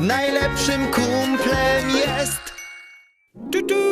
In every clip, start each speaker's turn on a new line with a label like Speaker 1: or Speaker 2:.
Speaker 1: najlepszym kumplem jest. Tu, tu.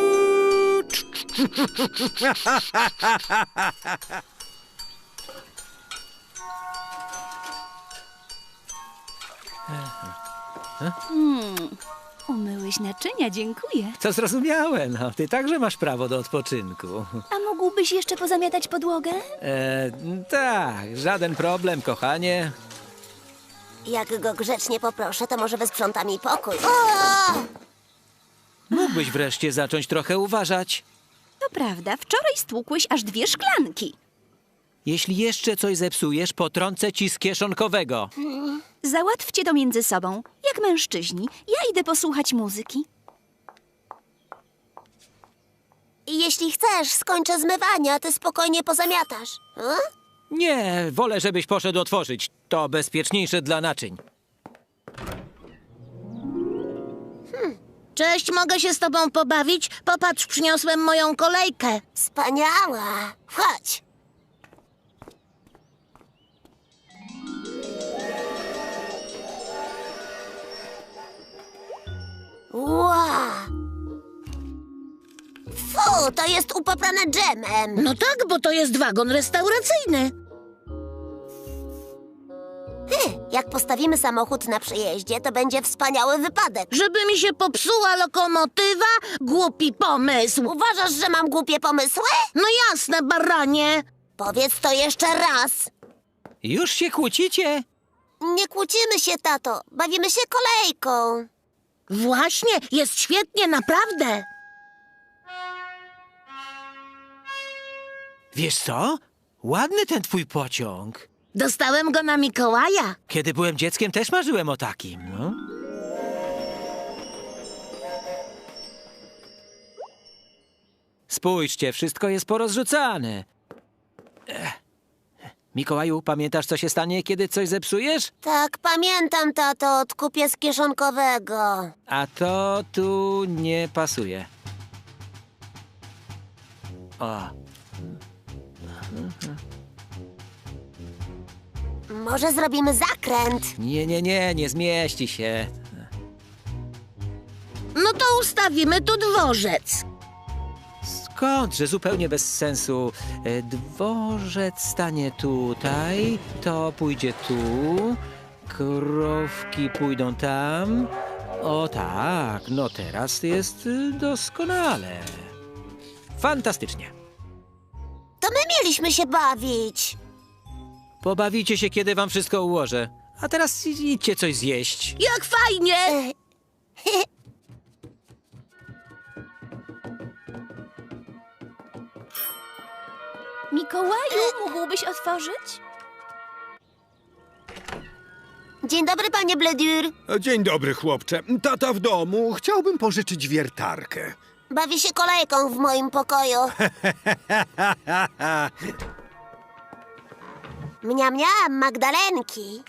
Speaker 2: Umyłeś naczynia, dziękuję.
Speaker 3: To zrozumiałem, no. Ty także masz prawo do odpoczynku.
Speaker 2: A mógłbyś jeszcze pozamiatać podłogę?
Speaker 3: Tak, żaden problem, kochanie.
Speaker 4: Jak go grzecznie poproszę, to może wysprząta mi pokój. O!
Speaker 3: Mógłbyś wreszcie zacząć trochę uważać.
Speaker 2: To prawda, wczoraj stłukłeś aż 2 szklanki.
Speaker 3: Jeśli jeszcze coś zepsujesz, potrącę ci z kieszonkowego.
Speaker 2: Załatwcie to między sobą, jak mężczyźni. Ja idę posłuchać muzyki.
Speaker 4: I jeśli chcesz, skończę zmywanie, a ty spokojnie pozamiatasz.
Speaker 3: Nie, wolę, żebyś poszedł otworzyć. To bezpieczniejsze dla naczyń.
Speaker 5: Cześć, mogę się z tobą pobawić? Popatrz, przyniosłem moją kolejkę.
Speaker 4: Wspaniała. Chodź. Wow. Fu, to jest upaprane dżemem.
Speaker 5: No tak, bo to jest wagon restauracyjny.
Speaker 4: Jak postawimy samochód na przejeździe, to będzie wspaniały wypadek.
Speaker 5: Żeby mi się popsuła lokomotywa? Głupi pomysł.
Speaker 4: Uważasz, że mam głupie pomysły?
Speaker 5: No jasne, baranie.
Speaker 4: Powiedz to jeszcze raz.
Speaker 3: Już się kłócicie?
Speaker 4: Nie kłócimy się, tato. Bawimy się kolejką.
Speaker 5: Właśnie, jest świetnie, naprawdę.
Speaker 3: Wiesz co? Ładny ten twój pociąg.
Speaker 5: Dostałem go na Mikołaja.
Speaker 3: Kiedy byłem dzieckiem, też marzyłem o takim, no. Spójrzcie, wszystko jest porozrzucane. Mikołaju, pamiętasz, co się stanie, kiedy coś zepsujesz?
Speaker 4: Tak, pamiętam, tato. Odkupię z kieszonkowego.
Speaker 3: A to tu nie pasuje. O,
Speaker 4: Może zrobimy zakręt?
Speaker 3: nie zmieści się.
Speaker 5: No to ustawimy tu dworzec.
Speaker 3: Skądże, zupełnie bez sensu. Dworzec stanie tutaj, to pójdzie tu, krowki pójdą tam. O tak, no teraz jest doskonale. Fantastycznie.
Speaker 4: To my mieliśmy się bawić.
Speaker 3: Pobawicie się, kiedy wam wszystko ułożę. A teraz idźcie coś zjeść.
Speaker 5: Jak fajnie!
Speaker 2: Mikołaju, mógłbyś otworzyć?
Speaker 4: Dzień dobry, panie Bledur.
Speaker 6: Dzień dobry, chłopcze. Tata w domu. Chciałbym pożyczyć wiertarkę.
Speaker 4: Bawi się kolejką w moim pokoju. Mniam, Magdalenki.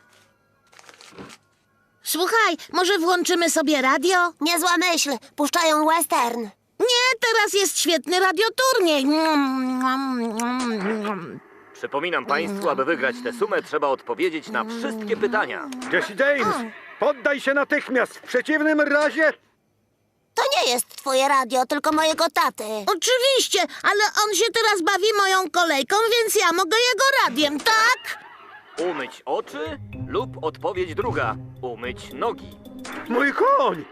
Speaker 5: Słuchaj, może włączymy sobie radio?
Speaker 4: Niezła myśl. Puszczają western.
Speaker 5: Nie, teraz jest świetny radioturniej.
Speaker 7: Przypominam państwu, aby wygrać tę sumę, trzeba odpowiedzieć na wszystkie pytania.
Speaker 6: Jesse James, poddaj się natychmiast. W przeciwnym razie...
Speaker 4: To nie jest twoje radio, tylko mojego taty.
Speaker 5: Oczywiście, ale on się teraz bawi moją kolejką, więc ja mogę jego radiem, tak?
Speaker 7: Umyć oczy lub odpowiedź druga. Umyć nogi.
Speaker 6: Mój koń!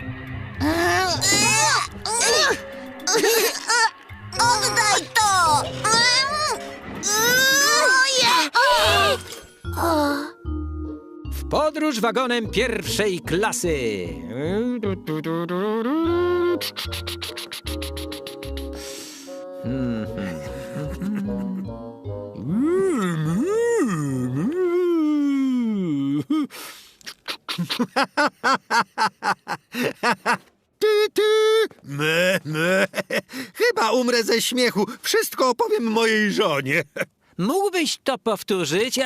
Speaker 4: Oddaj to!
Speaker 3: W podróż wagonem pierwszej klasy.
Speaker 6: Chyba umrę ze śmiechu. Wszystko opowiem mojej żonie.
Speaker 3: Mógłbyś to powtórzyć?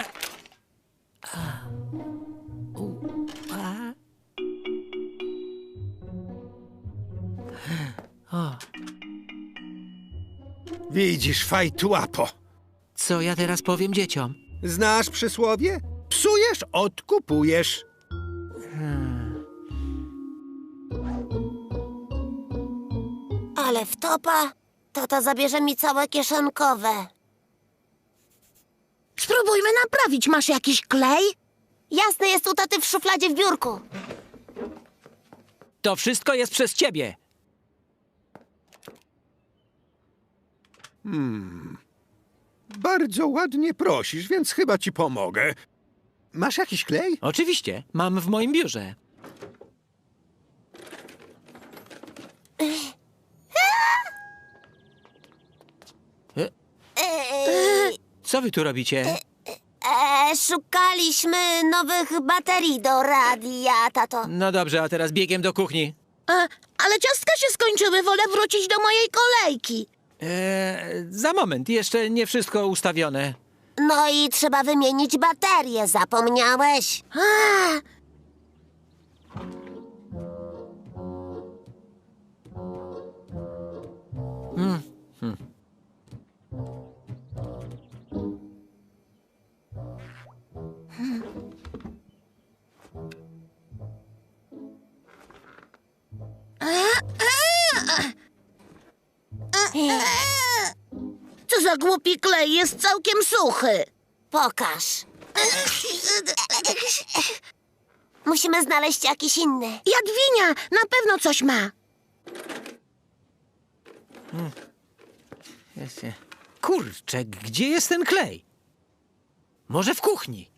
Speaker 6: Widzisz, fajtłapo.
Speaker 3: Co ja teraz powiem dzieciom?
Speaker 6: Znasz przysłowie? Psujesz, odkupujesz.
Speaker 4: Ale wtopa, to zabierze mi całe kieszonkowe.
Speaker 5: Spróbujmy naprawić. Masz jakiś klej?
Speaker 4: Jasne, jest u taty w szufladzie w biurku.
Speaker 3: To wszystko jest przez ciebie.
Speaker 6: Bardzo ładnie prosisz, więc chyba ci pomogę. Masz jakiś klej?
Speaker 3: Oczywiście, mam w moim biurze. Co wy tu robicie?
Speaker 4: Szukaliśmy nowych baterii do radia, tato.
Speaker 3: No dobrze, a teraz biegiem do kuchni.
Speaker 5: Ale ciastka się skończyły. Wolę wrócić do mojej kolejki.
Speaker 3: Za moment, jeszcze nie wszystko ustawione.
Speaker 4: No i trzeba wymienić baterię, zapomniałeś?
Speaker 5: Co za głupi klej, jest całkiem suchy.
Speaker 4: Pokaż. Musimy znaleźć jakiś inny.
Speaker 5: Jadwinia, na pewno coś ma.
Speaker 3: Kurczę, gdzie jest ten klej? Może w kuchni?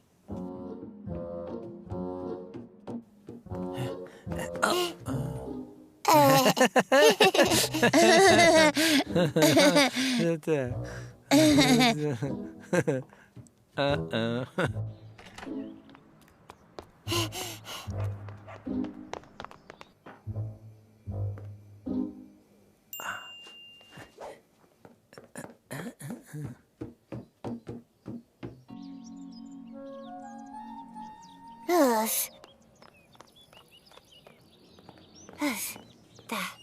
Speaker 4: Uff. Tak.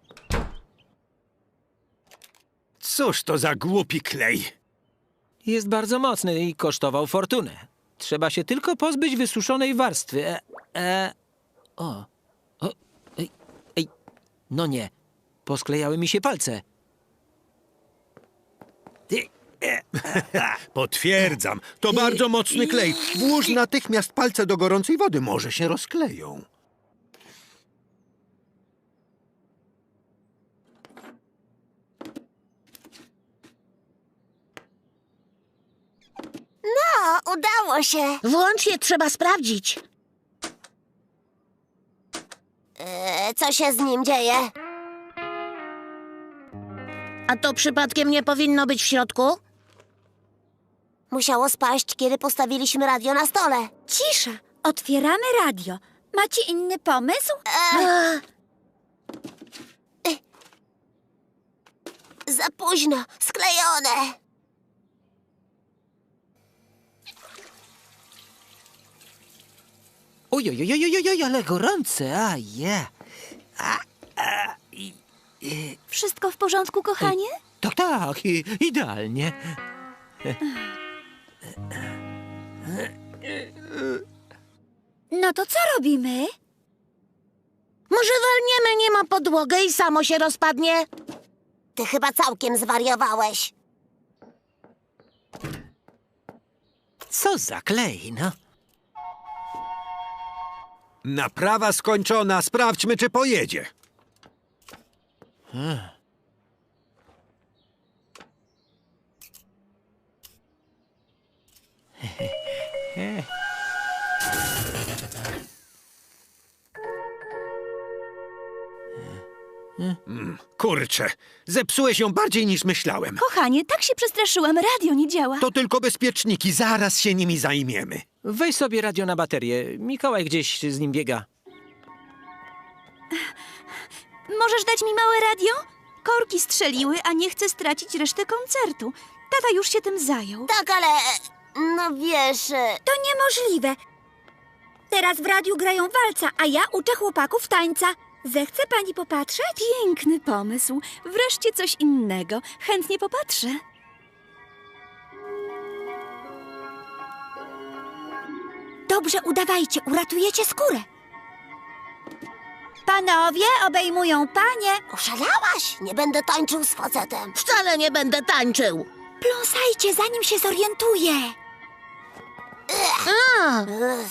Speaker 6: Cóż to za głupi klej?
Speaker 3: Jest bardzo mocny i kosztował fortunę. Trzeba się tylko pozbyć wysuszonej warstwy. Ej. No nie, posklejały mi się palce.
Speaker 6: Potwierdzam, to bardzo mocny klej. Włóż natychmiast palce do gorącej wody, może się rozkleją.
Speaker 4: O, udało się.
Speaker 5: Włącz je, trzeba sprawdzić.
Speaker 4: Co się z nim dzieje?
Speaker 5: A to przypadkiem nie powinno być w środku?
Speaker 4: Musiało spaść, kiedy postawiliśmy radio na stole.
Speaker 2: Cisza! Otwieramy radio. Macie inny pomysł?
Speaker 4: Za późno, sklejone.
Speaker 3: Ojojojojojoj, ale gorące, a je.
Speaker 2: Wszystko w porządku, kochanie?
Speaker 3: Tak, idealnie.
Speaker 2: No to co robimy?
Speaker 5: Może walniemy nim o podłogę i samo się rozpadnie?
Speaker 4: Ty chyba całkiem zwariowałeś.
Speaker 3: Co za klej, no.
Speaker 6: Naprawa skończona, sprawdźmy, czy pojedzie. Kurczę, zepsułeś ją bardziej niż myślałem.
Speaker 2: Kochanie, tak się przestraszyłam, radio nie działa.
Speaker 6: To tylko bezpieczniki, zaraz się nimi zajmiemy.
Speaker 3: Weź sobie radio na baterię. Mikołaj gdzieś z nim biega.
Speaker 2: Możesz dać mi małe radio? Korki strzeliły, a nie chcę stracić reszty koncertu. Tata już się tym zajął.
Speaker 4: Tak, ale... No wiesz...
Speaker 8: To niemożliwe. Teraz w radiu grają walca, a ja uczę chłopaków tańca. Zechce pani popatrzeć?
Speaker 2: Piękny pomysł. Wreszcie coś innego. Chętnie popatrzę.
Speaker 8: Dobrze, udawajcie, uratujecie skórę. Pa, Panowie obejmują panie.
Speaker 4: Oszalałaś? Nie będę tańczył z facetem.
Speaker 5: Wcale nie będę tańczył.
Speaker 8: Pląsajcie, zanim się zorientuje.
Speaker 5: A,
Speaker 4: Ugh.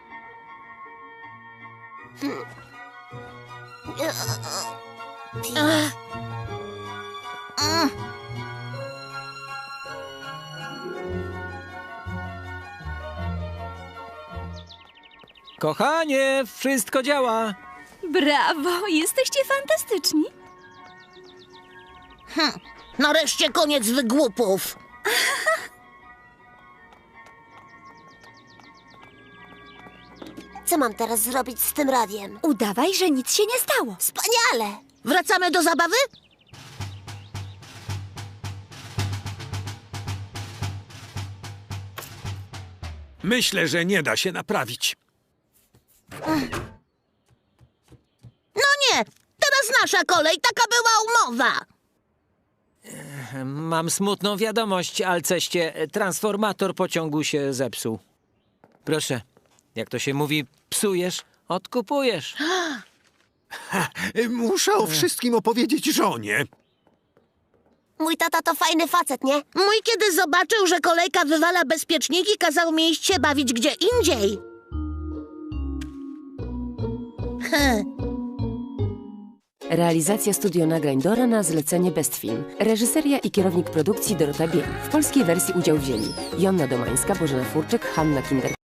Speaker 3: Kochanie, wszystko działa.
Speaker 2: Brawo, jesteście fantastyczni.
Speaker 5: nareszcie koniec wygłupów.
Speaker 4: Co mam teraz zrobić z tym radiem?
Speaker 8: Udawaj, że nic się nie stało.
Speaker 4: Wspaniale!
Speaker 5: Wracamy do zabawy?
Speaker 6: Myślę, że nie da się naprawić.
Speaker 5: No nie, teraz nasza kolej, taka była umowa.
Speaker 3: Mam smutną wiadomość, Alceście. Transformator pociągu się zepsuł. Proszę, jak to się mówi, psujesz, odkupujesz.
Speaker 6: Muszę o wszystkim opowiedzieć żonie.
Speaker 4: Mój tata to fajny facet, nie?
Speaker 5: Mój kiedy zobaczył, że kolejka wywala bezpieczniki, kazał mi iść się bawić gdzie indziej.
Speaker 9: Realizacja studio nagrań Dora na zlecenie Best Film. Reżyseria i kierownik produkcji Dorota Biel. W polskiej wersji udział wzięli Jonna Domańska, Bożena Furczyk, Hanna Kinder.